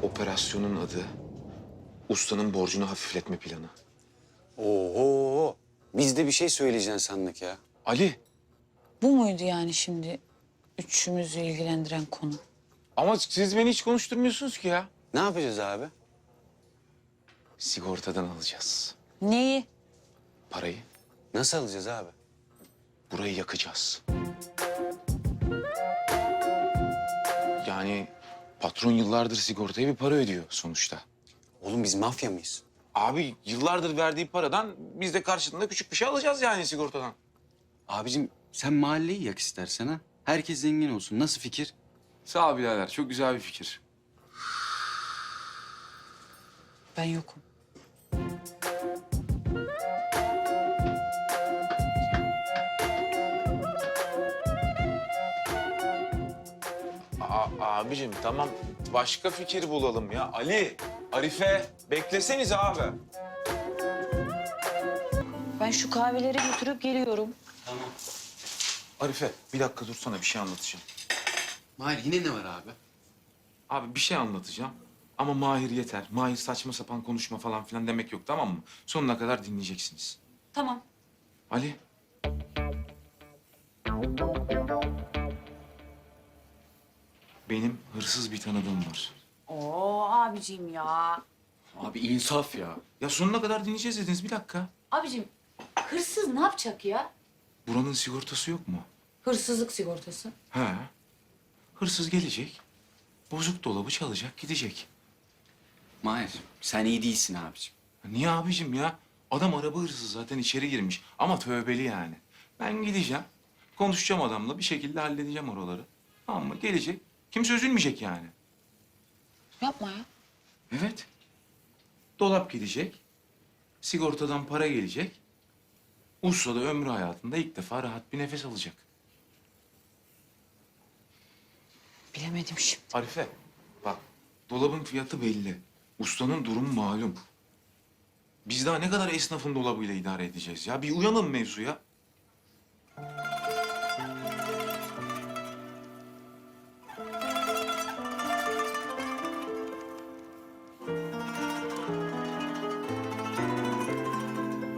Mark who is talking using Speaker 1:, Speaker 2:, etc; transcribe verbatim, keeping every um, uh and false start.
Speaker 1: Operasyonun adı ustanın borcunu hafifletme planı.
Speaker 2: Oho. Biz de bir şey söyleyeceksin sandık ya.
Speaker 1: Ali,
Speaker 3: Bu muydu yani şimdi üçümüzü ilgilendiren konu?
Speaker 1: ama siz beni hiç konuşturmuyorsunuz ki ya.
Speaker 2: Ne yapacağız abi?
Speaker 1: Sigortadan alacağız
Speaker 3: Neyi?
Speaker 1: parayı.
Speaker 2: Nasıl alacağız abi?
Speaker 1: Burayı yakacağız. Yani patron yıllardır sigortaya bir para ödüyor sonuçta.
Speaker 2: Oğlum biz mafya mıyız?
Speaker 1: Abi yıllardır verdiği paradan biz de karşılığında küçük bir şey alacağız yani sigortadan.
Speaker 2: Abicim sen mahalleyi yak istersen ha. Herkes zengin olsun. Nasıl fikir?
Speaker 1: Sağ ol birader, çok güzel bir fikir.
Speaker 3: Ben yokum.
Speaker 1: A abicim tamam, başka fikir bulalım ya. Ali, Arife, bekleseniz abi.
Speaker 3: Ben şu kahveleri götürüp geliyorum.
Speaker 2: Tamam.
Speaker 1: Arife, bir dakika dursana, bir şey anlatacağım.
Speaker 2: Mahir yine ne var abi?
Speaker 1: Abi bir şey anlatacağım ama Mahir yeter. Mahir saçma sapan konuşma falan filan demek yok, tamam mı? Sonuna kadar dinleyeceksiniz.
Speaker 3: Tamam.
Speaker 1: Ali. Benim hırsız bir tanıdığım var.
Speaker 3: Oo abicim ya.
Speaker 2: Abi insaf ya.
Speaker 1: Ya sonuna kadar dinleyeceğiz dediniz, bir dakika.
Speaker 3: Abicim hırsız ne yapacak ya?
Speaker 1: Buranın sigortası yok mu?
Speaker 3: Hırsızlık sigortası.
Speaker 1: He. Hırsız gelecek, bozuk dolabı çalacak, gidecek.
Speaker 2: Mahir sen iyi değilsin abicim.
Speaker 1: Niye abicim ya? Adam araba hırsızı zaten, içeri girmiş ama tövbeli yani. Ben gideceğim, konuşacağım adamla, bir şekilde halledeceğim oraları. Tamam mı? Gelecek, kimse üzülmeyecek yani.
Speaker 3: Yapma ya.
Speaker 1: Evet. Dolap gidecek, sigortadan para gelecek. Usta da ömrü hayatında ilk defa rahat bir nefes alacak.
Speaker 3: Bilemedim şimdi.
Speaker 1: Arife, bak dolabın fiyatı belli. Ustanın durumu malum. Biz daha ne kadar esnafın dolabıyla idare edeceğiz ya? Bir uyanın mevzuya.